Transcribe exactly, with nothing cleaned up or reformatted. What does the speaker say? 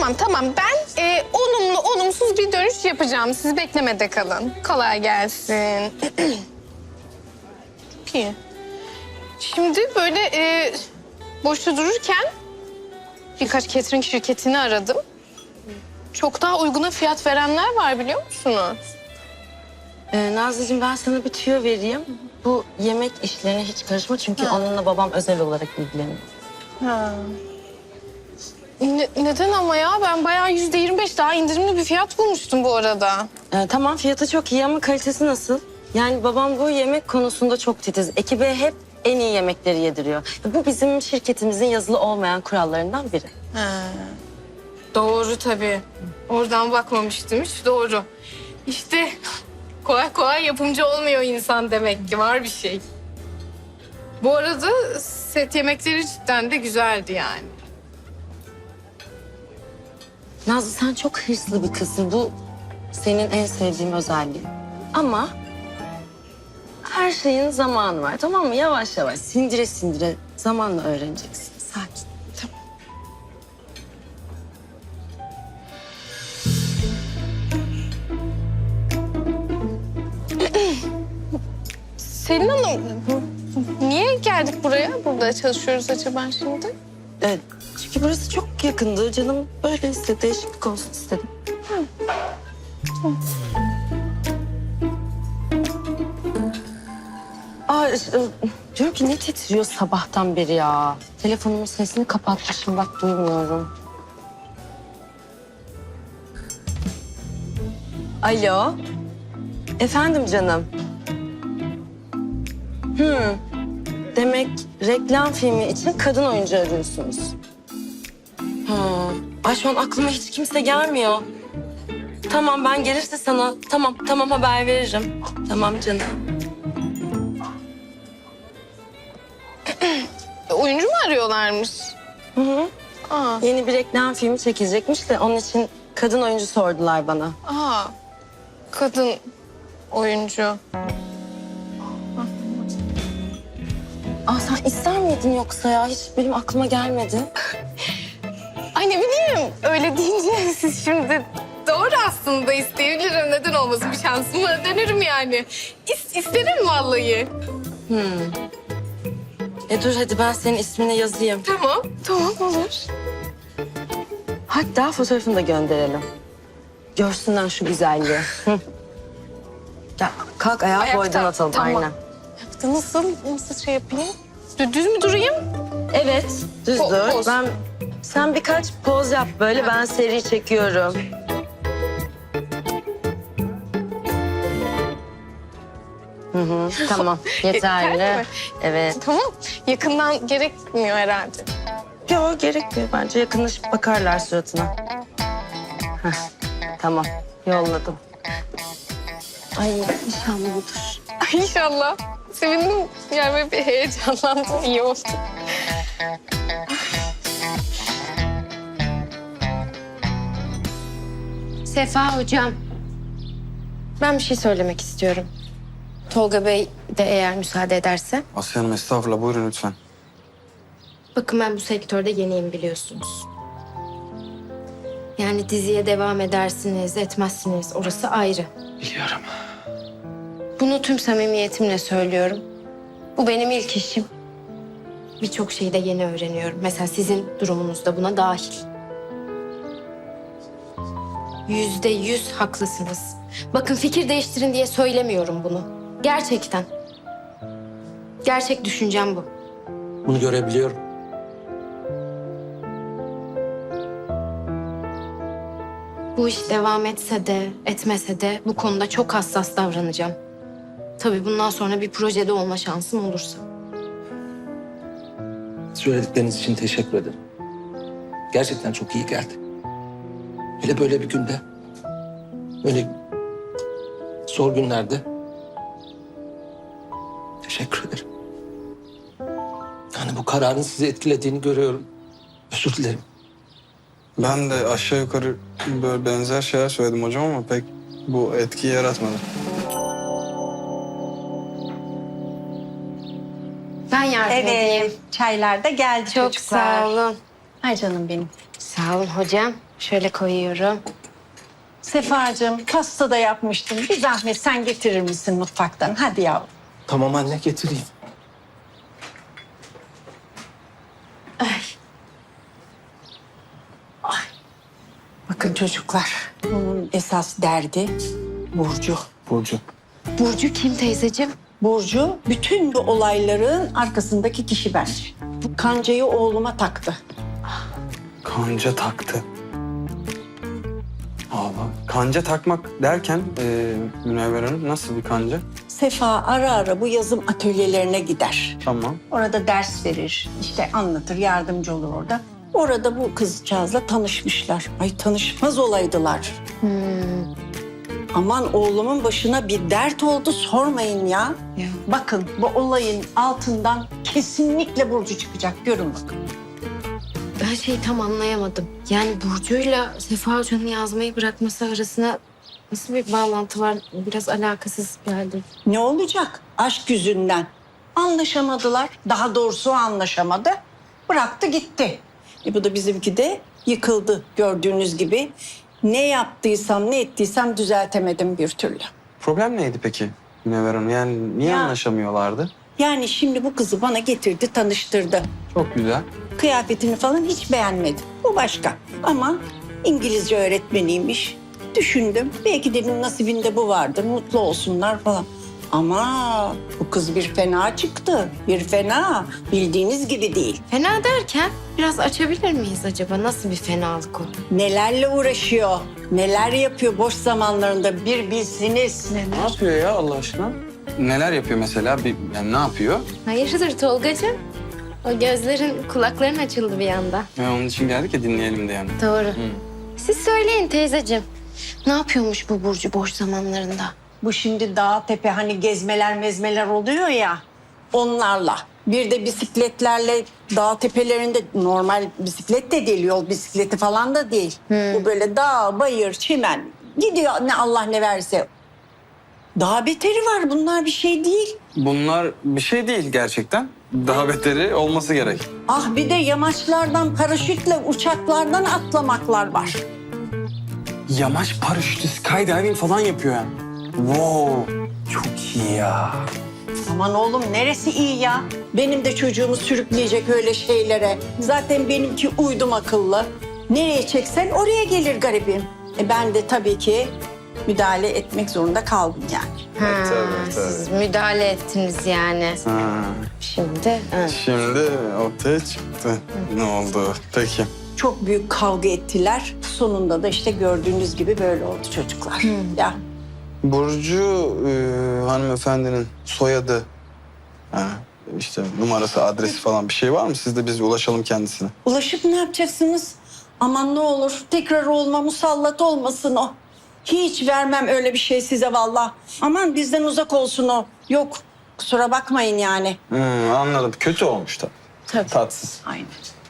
tamam tamam. Ben e, olumlu olumsuz bir dönüş yapacağım. Siz beklemede kalın. Kolay gelsin. Çok iyi. Şimdi böyle e, boşta dururken birkaç catering şirketini aradım. Çok daha uyguna fiyat verenler var biliyor musunuz? Ee, Nazlıcığım ben sana bir tüyo vereyim. Bu yemek işlerine hiç karışma çünkü Ha. onunla babam özel olarak ilgileniyor. Ha. Ne- neden ama ya? Ben bayağı yüzde yirmi beş daha indirimli bir fiyat bulmuştum bu arada. Ee, tamam fiyatı çok iyi ama kalitesi nasıl? Yani babam bu yemek konusunda çok titiz. Ekibe hep en iyi yemekleri yediriyor. Bu bizim şirketimizin yazılı olmayan kurallarından biri. Ha. Doğru tabii. Oradan bakmamıştım hiç. Doğru. İşte kolay kolay yapımcı olmuyor insan demek ki. Var bir şey. Bu arada set yemekleri cidden de güzeldi yani. Nazlı sen çok hırslı bir kızsın. Bu senin en sevdiğim özelliğin. Ama her şeyin zamanı var tamam mı? Yavaş yavaş sindire sindire zamanla öğreneceksin. Sakin. Tamam. Selin Hanım, niye geldik buraya? Burada çalışıyoruz acaba şimdi? Evet, çünkü burası çok yakındı. Canım böyle istedi, değişiklik olsun istedim. Aa, e, diyorum ki ne titriyor sabahtan beri ya. Telefonumun sesini kapatmışım bak duymuyorum. Alo. Efendim canım. Hmm. Demek reklam filmi için kadın oyuncu arıyorsunuz. Ha. Ay şu an aklıma hiç kimse gelmiyor. Tamam ben gelirse sana tamam tamam haber veririm. Tamam canım. Oyuncu mu arıyorlarmış? Hı hı. Aa, Yeni bir reklam filmi çekilecekmiş de onun için kadın oyuncu sordular bana. aa. Kadın oyuncu. Aa sen ister miydin yoksa ya? Hiç benim aklıma gelmedi. Ay ne bileyim, öyle deyince siz şimdi doğru aslında isteyebilirim. Neden olmasın, bir şansımı denerim yani. İs, isterim vallahi. Hmm. E dur hadi ben senin ismini yazayım. Tamam, tamam olur. Hatta fotoğrafını da gönderelim. Görsünler şu güzelliği. Hı. Ya kalk ayağa Ayakta, boydan atalım tamam. aynen. Yaptı nasıl, nasıl şey yapayım? Dü- Düz mü durayım? Evet düz Po- dur. poz. Ben sen birkaç poz yap böyle ben seri çekiyorum. Hı hı, tamam yeterli. Yeterli mi? Evet. Tamam, yakından gerekmiyor herhalde. Yok gerekmiyor bence yakınlaşıp bakarlar suratına. Heh, tamam yolladım. Ay inşallah budur. Ay inşallah. Sevindim, yani böyle bir heyecanlandım, iyi oldu. Sefa hocam. Ben bir şey söylemek istiyorum. Tolga Bey de eğer müsaade ederse. Asya Hanım estağfurullah buyurun lütfen. Bakın ben bu sektörde yeniyim biliyorsunuz. Yani diziye devam edersiniz, etmezsiniz orası ayrı. Biliyorum. Bunu tüm samimiyetimle söylüyorum. Bu benim ilk işim. Birçok şeyi de yeni öğreniyorum. Mesela sizin durumunuz da buna dahil. Yüzde yüz haklısınız. Bakın fikir değiştirin diye söylemiyorum bunu. Gerçekten. Gerçek düşüncem bu. Bunu görebiliyorum. Bu iş devam etse de etmese de bu konuda çok hassas davranacağım. Tabii bundan sonra bir projede olma şansım olursa. Söyledikleriniz için teşekkür ederim. Gerçekten çok iyi geldi. Hele böyle bir günde, böyle zor günlerde teşekkür ederim. Yani bu kararın sizi etkilediğini görüyorum. Özür dilerim. Ben de aşağı yukarı böyle benzer şeyler söyledim hocam ama pek bu etkiyi yaratmadı. Ben yardım edeyim. Evet, çaylar da geldi Çok çocuklar. sağ olun. Ay canım benim. Sağ olun hocam. Şöyle koyuyorum. Sefacığım pasta da yapmıştım. Bir zahmet sen getirir misin mutfaktan? Hadi yavrum. Tamam anne, getireyim. Bakın çocuklar, bunun esas derdi Burcu. Burcu. Burcu kim teyzeciğim? Burcu bütün bu olayların arkasındaki kişi bence. Bu kancayı oğluma taktı. Kanca taktı. Allah. Kanca takmak derken e, Münevver Hanım nasıl bir kanca? Sefa ara ara bu yazım atölyelerine gider. Tamam. Orada ders verir, işte anlatır, yardımcı olur orada. Orada bu kızcağızla tanışmışlar. Ay tanışmaz olaydılar. Aman oğlumun başına bir dert oldu sormayın ya. Ya. Bakın bu olayın altından kesinlikle Burcu çıkacak. Görün bakın. Ben şeyi tam anlayamadım. Yani Burcu'yla Sefa Hoca'nın yazmayı bırakması arasında nasıl bir bağlantı var? Biraz alakasız geldi. Ne olacak? Aşk yüzünden. Anlaşamadılar. Daha doğrusu o anlaşamadı. Bıraktı gitti. E bu da bizimki de yıkıldı gördüğünüz gibi. Ne yaptıysam ne ettiysem düzeltemedim bir türlü. Problem neydi peki Münevver Hanım? Yani niye Ya. anlaşamıyorlardı? Yani şimdi bu kızı bana getirdi, tanıştırdı. Çok güzel. Kıyafetini falan hiç beğenmedim. Bu başka. Ama İngilizce öğretmeniymiş. Düşündüm. Belki dedim nasibinde bu vardır. Mutlu olsunlar falan. Ama bu kız bir fena çıktı. Bir fena. Bildiğiniz gibi değil. Fena derken biraz açabilir miyiz acaba? Nasıl bir fenalık o? Nelerle uğraşıyor. Neler yapıyor boş zamanlarında bir bilsiniz. Ne yapıyor ya Allah aşkına? Neler yapıyor mesela? Bir, yani ne yapıyor? Hayırdır Tolgacığım? O gözlerin, kulakların açıldı bir anda. Ya onun için geldik ya dinleyelim de yani. Doğru. Siz söyleyin teyzeciğim. Ne yapıyormuş bu Burcu boş zamanlarında? Bu şimdi dağ tepe hani gezmeler mezmeler oluyor ya onlarla. Bir de bisikletlerle dağ tepelerinde normal bisiklet de değil yol bisikleti falan da değil. Bu böyle dağ, bayır, çimen gidiyor ne Allah ne verse. Daha beteri var bunlar bir şey değil. Bunlar bir şey değil gerçekten. Daha beteri olması gerek. Ah bir de yamaçlardan paraşütle uçaklardan atlamaklar var. Yamaç paraşütü, skydiving falan yapıyor yani. Wow, çok iyi ya. Aman oğlum neresi iyi ya? Benim de çocuğumu sürükleyecek öyle şeylere. Zaten benimki uydum akıllı. Nereye çeksen oraya gelir garibim. E ben de tabii ki müdahale etmek zorunda kaldım yani. Ha, tabii, tabii. siz müdahale ettiniz yani. Ha, Şimdi ha. şimdi ortaya çıktı. Ne oldu? Peki. Çok büyük kavga ettiler. Sonunda da işte gördüğünüz gibi böyle oldu çocuklar. Ya Burcu e, hanımefendinin soyadı, ha, işte numarası, adresi falan bir şey var mı? Siz de biz ulaşalım kendisine. ulaşıp ne yapacaksınız? Aman ne olur tekrar olma musallat olmasın o. Hiç vermem öyle bir şey size vallahi. Aman bizden uzak olsun o. Yok kusura bakmayın yani. Hmm, anladım. Kötü olmuş tabii. Tabii. Tatsız. Aynen.